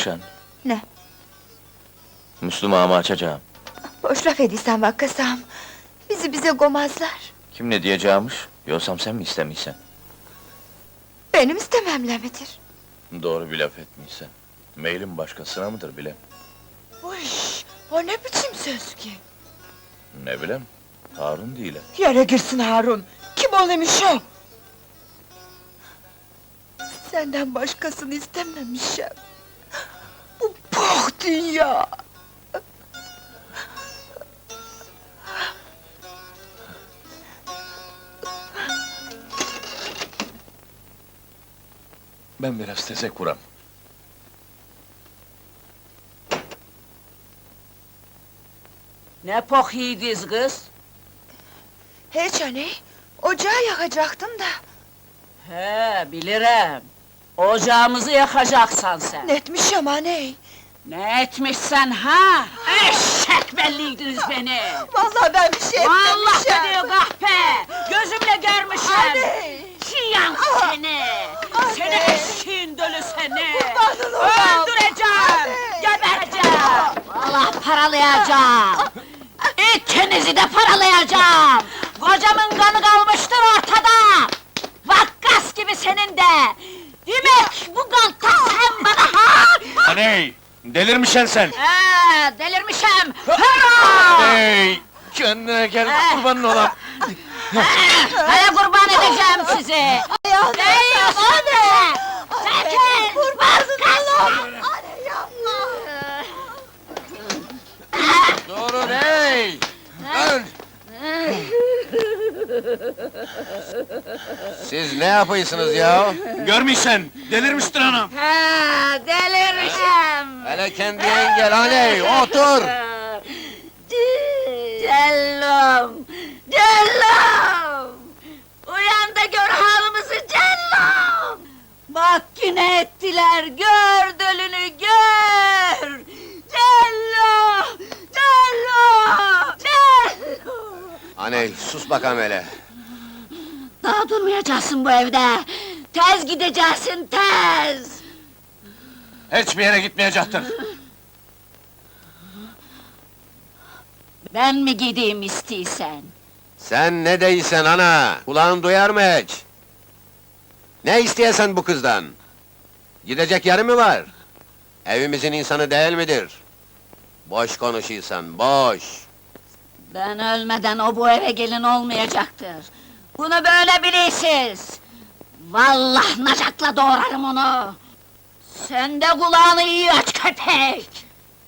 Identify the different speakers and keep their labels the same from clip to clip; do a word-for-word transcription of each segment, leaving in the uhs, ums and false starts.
Speaker 1: Rükşen,
Speaker 2: Ne?
Speaker 1: Müslüm ağamı açacağım.
Speaker 2: Boş laf ediysen bak kasam. Bizi bize gomazlar.
Speaker 1: Kim ne diyeceğimiş? Yoksam sen mi istemiysen?
Speaker 2: Benim istememle midir?
Speaker 1: Doğru bir laf etmiysen. Meylim başkasına mıdır bilem?
Speaker 2: Uy, o ne biçim söz ki?
Speaker 1: Ne bilem, Harun değil.
Speaker 2: Yere girsin Harun! Kim olmuş o? Senden başkasını istememişim. Bu poh dünya!
Speaker 1: Ben biraz tezek vuram.
Speaker 3: Ne pok yiğidiz kız?
Speaker 2: Hiç anne, ocağı yakacaktım da.
Speaker 3: He, bilirim. Ocağımızı yakacaksan sen.
Speaker 2: Ne etmişim anne?
Speaker 3: Ne etmişsen ha? Eşek belliydiniz beni!
Speaker 2: Vallahi ben bir şey
Speaker 3: Vallahi
Speaker 2: etmemişim!
Speaker 3: diyor kahpe! Gözümle görmüşüm!
Speaker 2: Anne!
Speaker 3: Çiyan seni!
Speaker 2: Anne!
Speaker 3: Seni eşeğin dölü seni!
Speaker 2: Kurbanın olam!
Speaker 3: Öldüreceğim!
Speaker 2: Anne!
Speaker 3: Geberteceğim! Vallahi paralayacağım! İkinizi de paralayacağım! Kocamın kanı kalmıştır ortada! Vakkas gibi senin de! Demek bu galta sen bana ha?
Speaker 1: Aney! Delirmişen sen!
Speaker 3: Ee, delirmişim! Hırra!
Speaker 1: Hey! Kendine gel, kurbanın olam!
Speaker 3: Neye kurban edeceğim sizi?
Speaker 2: Ayağını
Speaker 3: Değil anne! Çekil!
Speaker 2: Kurbansın oğlum! Anne yapma!
Speaker 1: Durun hey! Dur!
Speaker 4: Siz ne yapıyorsunuz ya?
Speaker 1: Görmüşsen, delirmiştir anam!
Speaker 3: Ha, delirmişim!
Speaker 4: Hele kendine gel aney, otur!
Speaker 3: Cellum! Cellum! Uyan da gör halimizi Cellum! Bak yine ettiler, gör dölünü gör! Cellum! Cellum! Cellum!
Speaker 4: Aney, sus bakalım hele!
Speaker 3: Daha durmayacaksın bu evde! Tez gideceksin, tez!
Speaker 1: Hiçbir yere gitmeyecektir!
Speaker 3: Ben mi gideyim istiysen?
Speaker 4: Sen ne değilsen ana, kulağın duyar mı hiç? Ne isteyesen bu kızdan? Gidecek yeri mi var? Evimizin insanı değil midir? Boş konuşuyorsan, boş!
Speaker 3: Ben ölmeden o bu eve gelin olmayacaktır. Bunu böyle bilirsiniz. Vallahi nacakla doğrarım onu. Sen de kulağını iyi aç köpek!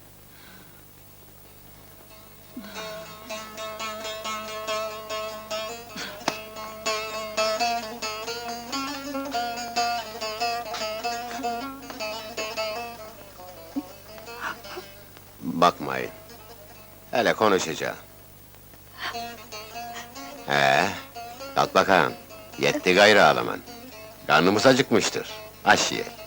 Speaker 4: Bakmayın. Hele konuşacağım. He, kalk bakalım. Yetti gayrı ağlaman. Karnımız acıkmıştır. Aş ye.